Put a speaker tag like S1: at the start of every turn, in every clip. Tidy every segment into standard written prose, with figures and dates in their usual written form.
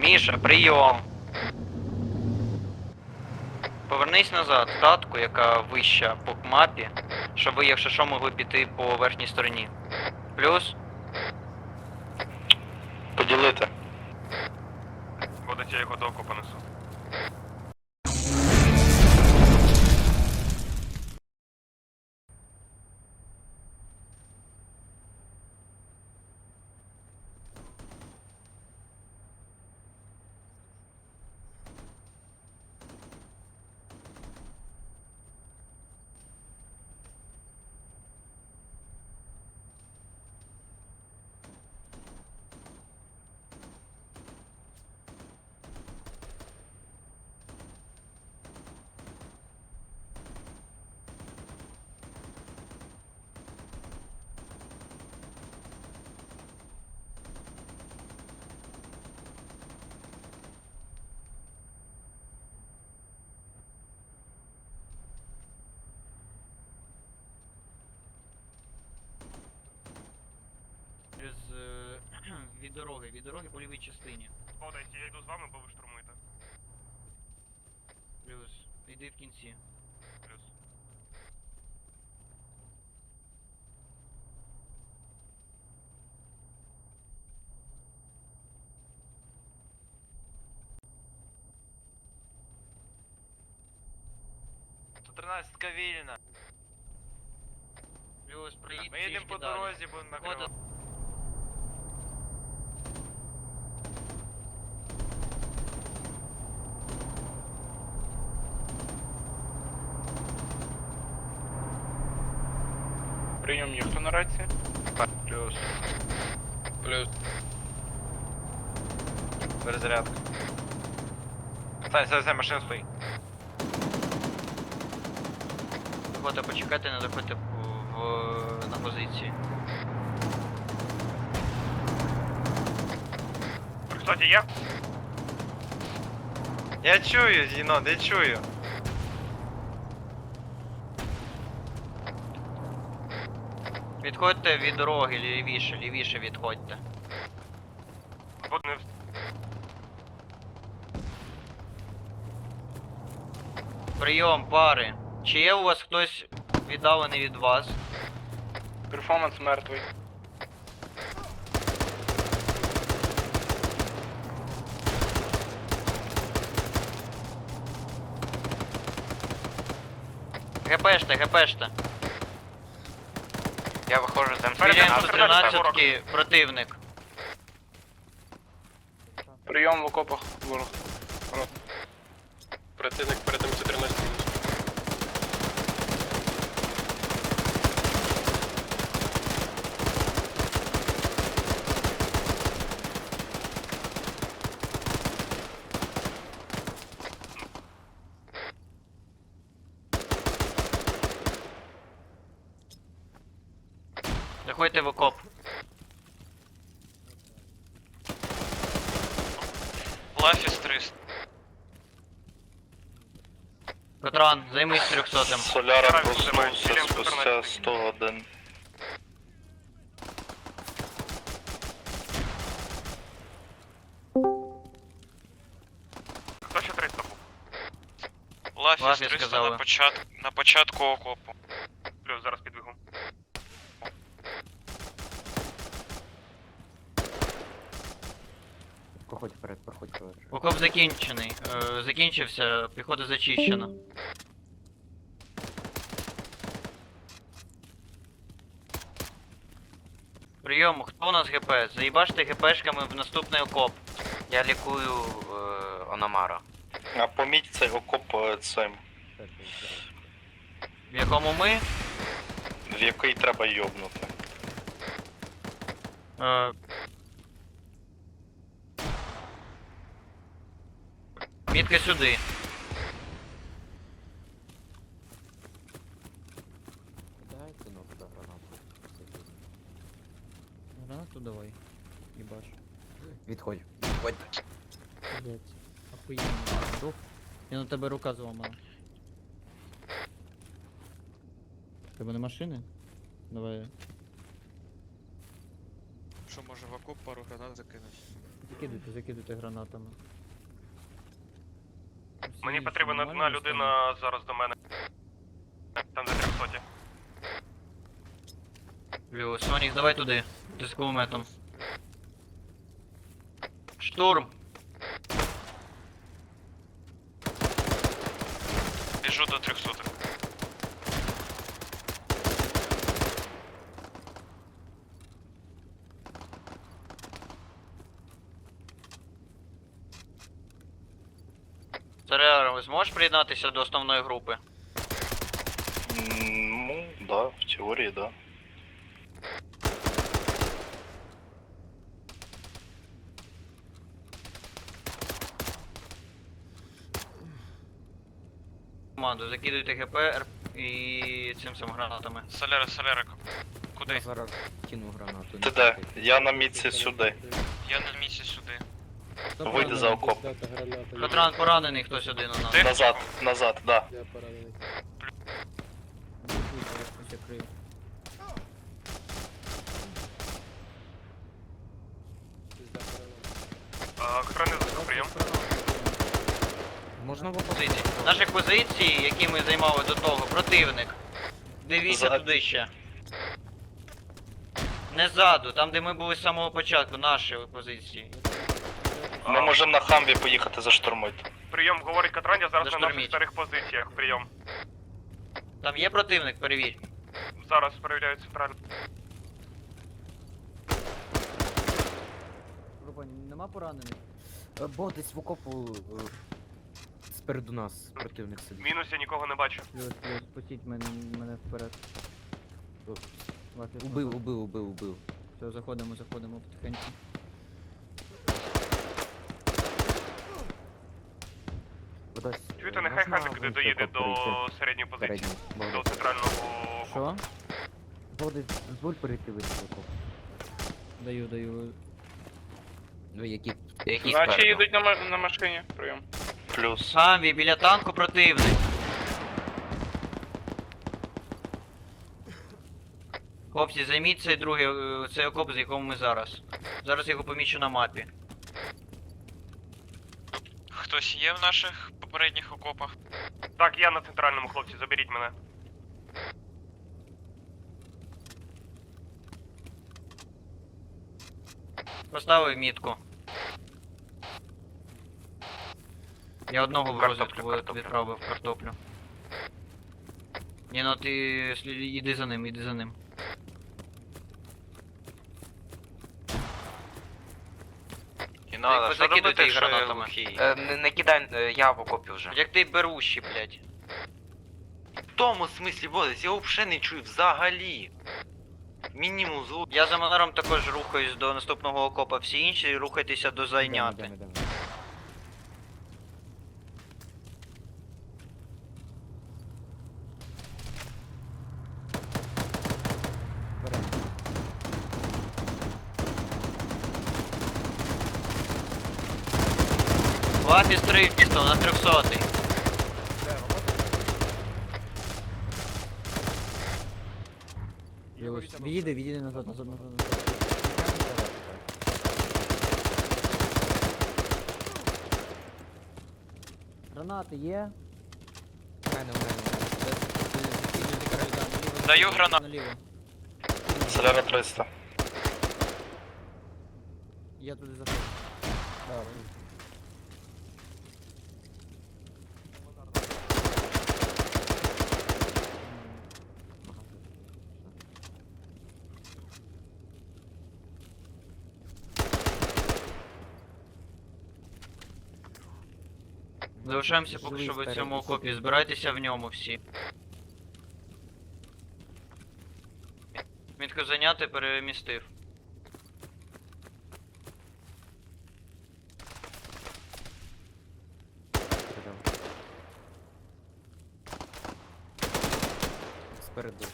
S1: Міша, прийом. Повернись назад в татку, яка вища по мапі, щоб ви, якщо що, могли піти по верхній стороні. Плюс.
S2: Поділити.
S3: Ходить, я його до оку понесу.
S1: Від дороги по лівій частині.
S3: Ходить, я йду з вами, бо ви штурмуєте.
S1: Плюс. Йди в кінці.
S3: Плюс.
S2: Тринадцятка вільна.
S1: Плюс, проїдь
S2: Ми їдемо по
S1: далі.
S2: дорозі, будемо накривати.
S3: Прийом ніхто на рації.
S2: Плюс. Плюс. Перезарядка. Стань, машина стоїть.
S1: Заходьте, почекайте, не заходьте на позиції.
S3: Кстати, я.
S2: Я чую, Зінон, я чую.
S1: Відходьте від дороги, лівіше відходьте.
S3: Вот не
S1: Прийом, пари. Чи є у вас хтось віддалений від вас?
S3: перформанс мертвий.
S1: ГПште.
S2: Я виходжу з
S1: Звіряємо
S3: М14,
S1: 113 противник.
S3: Прийом в окопах ворог.
S2: Противник перед М14.
S1: Заходьте в окоп.
S2: Лафіс 300.
S1: Катран, займись 300-м.
S2: Соляра
S3: Зараз
S2: проснувся
S3: будемо,
S2: спустя
S3: М14.
S2: 100 годин.
S3: Хто ще 300 був?
S1: Лафіс 300 сказали.
S2: на початку окопу.
S3: Плюс, зараз підбігу.
S4: Проходь вперед, проходь вперед.
S1: Окоп закінчений. Закінчився, піхота зачищена. Прийом, хто у нас ГП? Заїбаште ГПшками в наступний окоп.
S5: Я лікую Ономара.
S2: А поміть цей окоп цим,
S1: В якому ми?
S2: в який треба йобнути.
S1: Е, Мітка сюди.
S4: Дайте ну туди гранату.
S6: Гранату давай. Ебаш.
S4: Відходь.
S6: Блять. Охуєнно. Рух. Я на тебе рука зламана. Тебе не машини? Давай.
S7: Що може в окоп пару гранат закинути?
S6: Закидуйте гранатами. Всі
S3: Мені
S6: інші
S3: потрібна
S6: нормально
S3: одна людина зараз до мене. Там за 300.
S1: Плюс. Сонік, давай туди. Ти з кулеметом. Штурм.
S2: Біжу до 300.
S1: Царя, ви зможеш приєднатися до основної групи?
S2: Ну, да, в теорії, да.
S1: Команду, закидуйте ГП і цим самим гранатами.
S2: Соляра,
S4: Я зараз кину гранату.
S2: Ти де? Я на мітці сюди.
S7: Я на місці сюди.
S6: Хто
S2: Вийди
S6: поранений?
S2: за окоп.
S1: Катран поранений хтось один у нас.
S2: Назад, да.
S6: Блокуйте, я щось закрию.
S3: Охорони за прийом.
S4: Можна в
S1: Позиції. Наші позиції, які ми займали до того, противник. Дивіться
S2: Ззаді.
S1: туди ще. Не ззаду, там де ми були з самого початку, наші позиції.
S2: Ми можемо на хамві поїхати заштурмити.
S3: Прийом, говорить Катран, я зараз на
S1: Заштурміть.
S3: наших старих позиціях. Прийом.
S1: Там є противник, перевір.
S3: Зараз перевіряю центральну.
S6: Група, нема поранених?
S4: Бо десь в окопу спереду нас противник сидить.
S3: Мінус я нікого не бачу.
S6: Плюс, пустіть мене вперед. Вас я
S4: Убив.
S6: Все, заходимо потихеньку.
S4: Кудись,
S3: Чуєте,
S4: е,
S3: нехай
S4: можна
S3: хазик
S4: в
S3: доїде
S4: окоп
S3: до
S4: перейти?
S3: середньої позиції.
S4: Середній.
S3: До центрального окопу.
S6: Що?
S4: Боди, дозволь перейти в окоп.
S6: Даю.
S4: Ну, які?
S5: Які
S3: Наче
S5: спереду?
S3: їдуть на машині. Прийом.
S2: Плюс.
S1: Хамві, біля танку противник. Хлопці, займіть цей другий, цей окоп, з якому ми зараз. Зараз його помічу на мапі.
S7: Хтось є в наших попередніх окопах?
S3: Так, я на центральному, хлопці, заберіть мене.
S1: Поставив мітку. Я одного в розвідку відправив картоплю. Ні, ну ти іди за ним.
S5: І
S1: надо, що робити, якщо я
S5: гранатами? Не кидай, я в окопі вже.
S1: Як ти берущий, блядь.
S5: В тому смислі, Бодис, я взагалі не чую взагалі. Мінімум звук.
S1: Я за манером також рухаюсь до наступного окопа, всі інші рухайтеся до зайняти.
S4: Йдемо.
S1: Лапі стрільство на 300-й.
S6: Відійди назад. Гранати є?
S4: У мене.
S7: Даю гранату.
S6: Наліво.
S2: Соляра 300.
S6: Я туди заходжу.
S1: Залишаємося поки що в цьому окопі, збирайтеся в ньому всі. Мітку зайняти, перемістив.
S4: Спереду.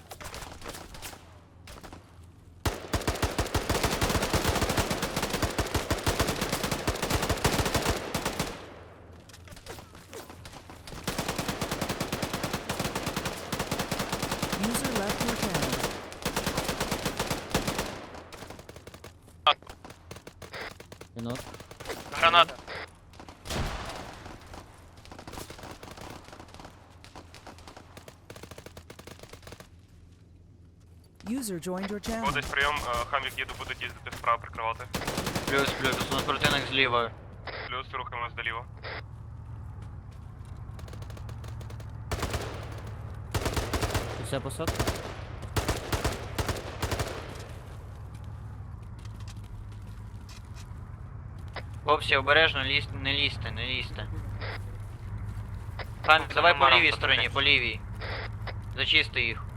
S6: Мінус.
S7: Гранат.
S8: User joined your channel.
S3: Вводить прийом, хамвік їду, будуть їздити справа прикривати.
S1: Плюс, у нас противник зліва.
S3: Плюс рухаємось доліво.
S6: Це вся посадка?
S1: Хлопці, обережно, не лізьте. Хам, давай по лівій стороні, по лівій. Зачисти їх.